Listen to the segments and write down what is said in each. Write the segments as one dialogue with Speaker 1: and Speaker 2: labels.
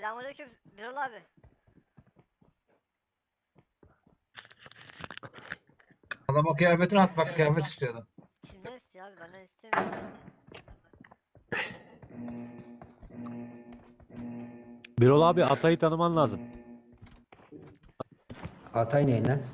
Speaker 1: Selamünaleyküm Birol abi.
Speaker 2: Adama kıyafetini at, bak kıyafet istiyordu.
Speaker 1: Kimden istiyor abi? Benden istemiyor.
Speaker 3: Birol abi Atay'ı tanıman lazım.
Speaker 4: Hatay ne lan?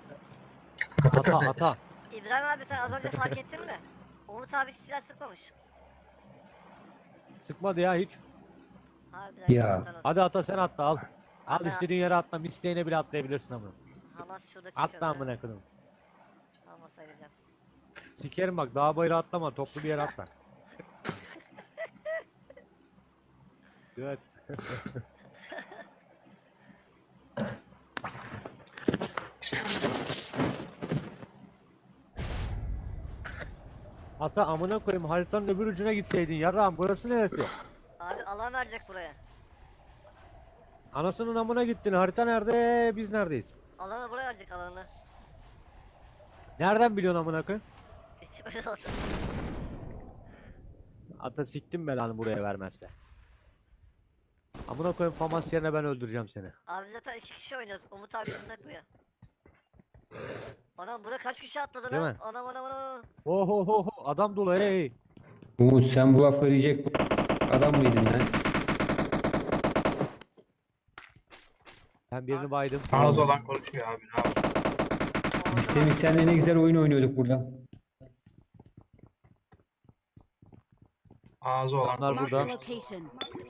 Speaker 3: Ata.
Speaker 1: İbrahim abi sen az önce fark ettin mi? Umut abi hiç silah sıkmamış.
Speaker 3: Sıkmadı ya hiç.
Speaker 1: Harbiden
Speaker 4: Ya.
Speaker 1: yazıklar olsun.
Speaker 3: Hadi ata sen atla al. Al
Speaker 1: Abi,
Speaker 3: istediğin yere atla. İsteğine bile atlayabilirsin ama.
Speaker 1: Hamas şurada çıkıyor.
Speaker 3: Atla amına koyayım.
Speaker 1: Hamas'a gideceğim.
Speaker 3: Sikerim bak dağ bayırı atlama. Toplu bir yere atla. Evet. Ata amına koyayım haritanın öbür ucuna gitseydin yarrağım burası neresi?
Speaker 1: Abi alan verecek buraya.
Speaker 3: Anasının amına gittin harita nerede biz neredeyiz?
Speaker 1: Alanı buraya verecek alanı.
Speaker 3: Nereden biliyorsun amına koyayım?
Speaker 1: Hiç öyle oldu.
Speaker 3: Ata siktim belanı buraya vermezse. Amına koyayım famas yerine ben öldüreceğim seni.
Speaker 1: Abi zaten 2 kişi oynuyoruz. Umut abi hiç sıkmıyor. Anam buraya kaç kişi atladı
Speaker 3: Değil
Speaker 1: lan?
Speaker 3: mi?
Speaker 1: Anam.
Speaker 3: Ho adam dolu hey.
Speaker 4: Umut sen bu lafları yiyecek adam mıydın lan?
Speaker 3: Ben birini baydım.
Speaker 2: Ağzı olan konuşuyor abi. Ne yapayım?
Speaker 4: Biz Semih senle ne güzel oyun oynuyorduk burada.
Speaker 2: Ağzı olan
Speaker 3: Onlar
Speaker 2: konuşuyor.
Speaker 3: burada.
Speaker 5: Location.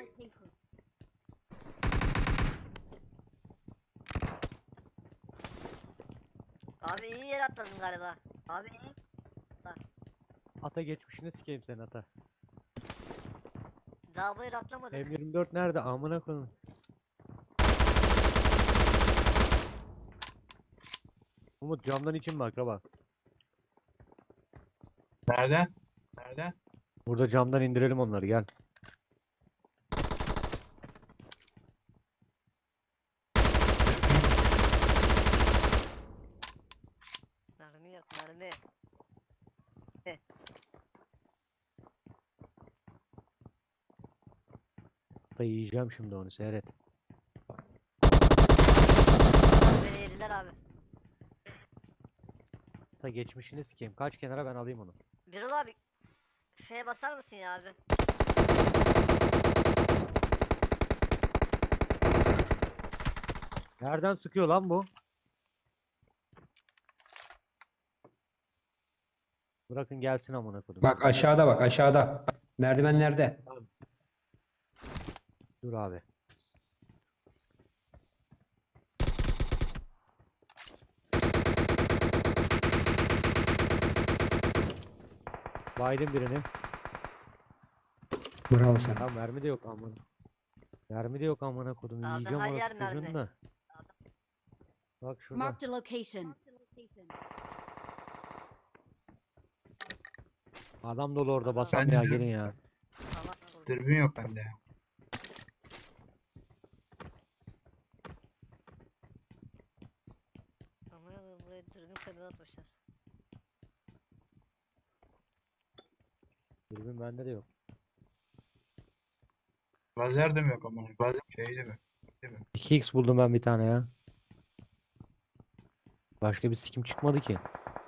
Speaker 1: Abi iyi yere atladın galiba. Abi iyi.
Speaker 3: Ata geçmişine sikeyim seni ata.
Speaker 1: Daha bu yere atlamadık.
Speaker 3: M24 nerede amına koyayım. Umut camdan için bak bak.
Speaker 2: Nerede? Nerede?
Speaker 3: Burada camdan indirelim onları gel.
Speaker 1: Mermi yok mermi.
Speaker 3: Ata yiyeceğim şimdi onu seyret.
Speaker 1: Beni yediler abi.
Speaker 3: Ata geçmişini sikeyim. Kaç kenara ben alayım onu.
Speaker 1: Birol abi. F'ye basar mısın ya abi?
Speaker 3: Nereden sıkıyor lan bu? Bırakın gelsin amına koydum.
Speaker 4: Bak aşağıda bak aşağıda. Merdivenlerde.
Speaker 3: Dur abi. Baydım birini.
Speaker 4: Bravo sana.
Speaker 3: Ya mermi de yok amına. Mermi de yok amına kodum.
Speaker 1: Abi
Speaker 3: Yiyeceğim
Speaker 1: her
Speaker 3: onu
Speaker 1: yer
Speaker 3: çocuğun
Speaker 1: mermi.
Speaker 3: da. Bak şurada.
Speaker 5: Marked a location.
Speaker 3: Adam dolu orada
Speaker 1: Adam-
Speaker 3: basan
Speaker 2: Ben de
Speaker 3: ya
Speaker 2: diyorum.
Speaker 3: gelin ya.
Speaker 1: Hamas vurdu.
Speaker 2: Dürbün yok bende ya.
Speaker 1: Aman Allah'ım, buraya dürbün kabine atmışlar.
Speaker 3: Dürbün bende de yok.
Speaker 2: Lazer de mi yok ama? Lazer şey de mi?
Speaker 3: 2x buldum ben bir tane ya. Başka bir sikim çıkmadı ki.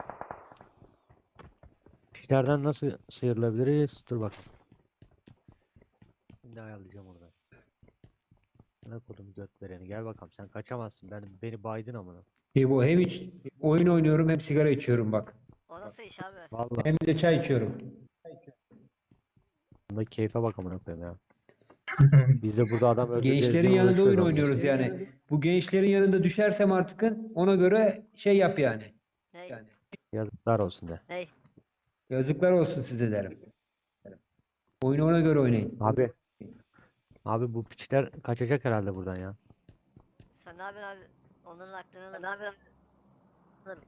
Speaker 3: İşlerden nasıl sıyrılabiliriz? Dur bakalım. Şimdi ayarlayacağım onu ben. Ne kodum göt vereni. Gel bakalım sen kaçamazsın. Beni baydın amına.
Speaker 4: Bu hem hiç oyun oynuyorum hem sigara içiyorum bak.
Speaker 1: O nasıl iş abi?
Speaker 3: Vallahi
Speaker 4: Hem de çay içiyorum.
Speaker 3: bunda keyfe bak amına koyayım ya. Biz de burada adam öldüreceğiz
Speaker 4: Gençlerin
Speaker 3: diye
Speaker 4: yanında oyun
Speaker 3: uğraşıyoruz
Speaker 4: oynuyoruz yani. Bu gençlerin yanında düşersem artık ona göre şey yap yani.
Speaker 1: Ney?
Speaker 4: Yani
Speaker 3: Yazıklar olsun de.
Speaker 1: Ney?
Speaker 4: yazıklar olsun size derim. Oyunu ona göre oynayın.
Speaker 3: Abi. Abi bu piçler kaçacak herhalde buradan ya.
Speaker 1: Sen ne yapıyorsun abi? Onların aklını alır. Ne yapıyorsun? Alırım.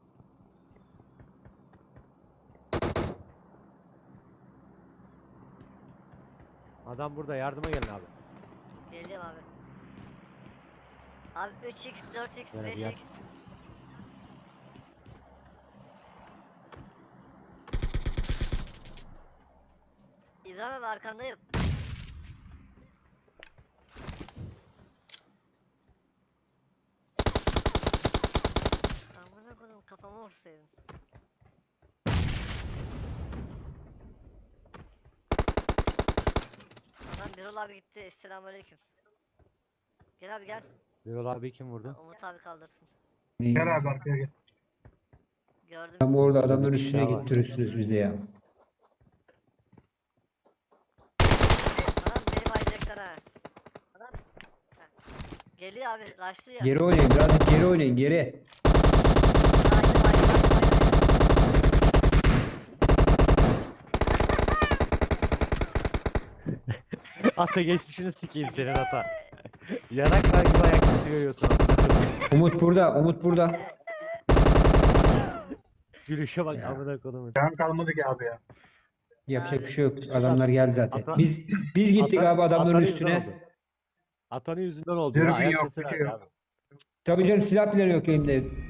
Speaker 3: Adam burada yardıma gelin abi.
Speaker 1: Geliyorum abi. Abi 3x, 4x,
Speaker 3: Evet, gel.
Speaker 1: 5x. İbrahim abi arkandayım. kodum kafama vursaydın. Adam Birol abi gitti. Selamünaleyküm. Gel abi gel.
Speaker 3: Birol abi kim vurdu?
Speaker 1: Umut abi kaldırsın.
Speaker 2: Gel abi arkaya gel.
Speaker 1: Gördüm.
Speaker 4: Tam orada adamların
Speaker 3: Bir
Speaker 4: üstüne
Speaker 3: daha var.
Speaker 4: gittirirsiniz bizi ya.
Speaker 1: Adam beni bayacaklar ha. Adam. Ha. Geliyor abi. Raşlıyor ya.
Speaker 4: Geri oynayın, birazcık geri oynayın, geri.
Speaker 1: Haydi, haydi, haydi, haydi.
Speaker 3: Ata geçmişini sikeyim senin ata. Yanaklar gibi ayak tutuyorsun amına koyayım.
Speaker 4: Umut burada, Umut burada.
Speaker 3: Gülüşe bak
Speaker 4: Ya.
Speaker 3: amına koyayım.
Speaker 2: Can kalmadı ki abi ya.
Speaker 4: Yapacak bir şey yok. Adamlar geldi zaten.
Speaker 3: Ata-
Speaker 4: Biz gittik
Speaker 3: Ata-
Speaker 4: abi adamların
Speaker 3: atanın yüzünden
Speaker 4: üstüne.
Speaker 3: oldu. Atanın yüzünden oldu
Speaker 2: Dürbün
Speaker 3: ya. Ayak
Speaker 2: yok,
Speaker 3: sesi
Speaker 2: bir şey
Speaker 3: verdi
Speaker 2: yok.
Speaker 3: abi.
Speaker 4: Tabii canım silah bile yok elimde.